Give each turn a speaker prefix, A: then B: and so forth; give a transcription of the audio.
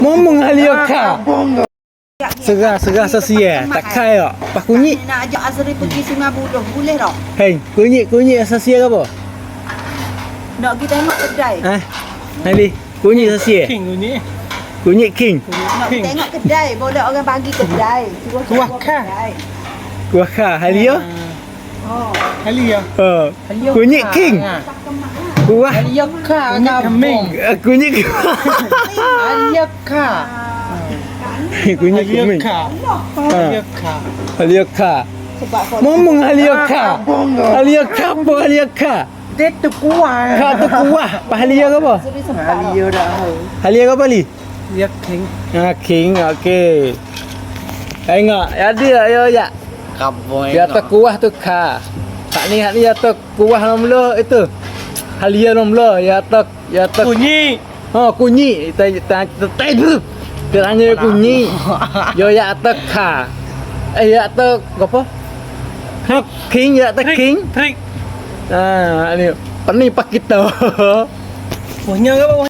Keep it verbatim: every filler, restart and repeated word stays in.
A: Ngomong halia ka. Serah-serah sesia. Tak kai tak. Pas kunyit.
B: Nak ajak Azri pergi Sungai Buloh, boleh tak?
A: Hei, kunyit-kunyit sesia ke apa?
B: Nak pergi tengok kedai.
A: Ha? Nali, kunyit sesia.
C: King ni.
A: Kunyit king.
B: Nak pergi tengok kedai, boleh orang bagi kedai. Suruh
C: Kuah
B: suruh
C: kah?
B: kedai.
A: Kuah ka halia.
B: Oh.
C: Kali ya.
A: Ha. Kunyit king. Kuah
C: Halia ka
A: kunyit kambing. Eh, Kunyit
C: Halia ka.
A: kunyit
C: Halia
A: kambing.
C: ka.
A: Ha.
C: Halia ka.
A: Halia ka.
B: Sebab kau
A: Ngomong halia ka. Halia ka apa halia ka?
C: Dia tu kuah.
A: Ka tu kuah. Pas halia ke apa?
B: Azri sempat. Halia
C: dah.
A: Halia ke apa li?
C: Halia king.
A: Ha, king. Okey. Tengok, ada ya ya.
C: Kabung.
A: Dia atas kuah tu ka. Tak ni hak ni atas kuah nomla itu. Halia nomla ya atas ya atas.
C: Bunyi.
A: Ha kunyi ta ta ta tu. Dia tanya kunyi. Yo ya atas ka. Eh ya atas apa? Ha king ya atas king.
C: Trik.
A: Ah ni pani pak kita.
C: Punya ke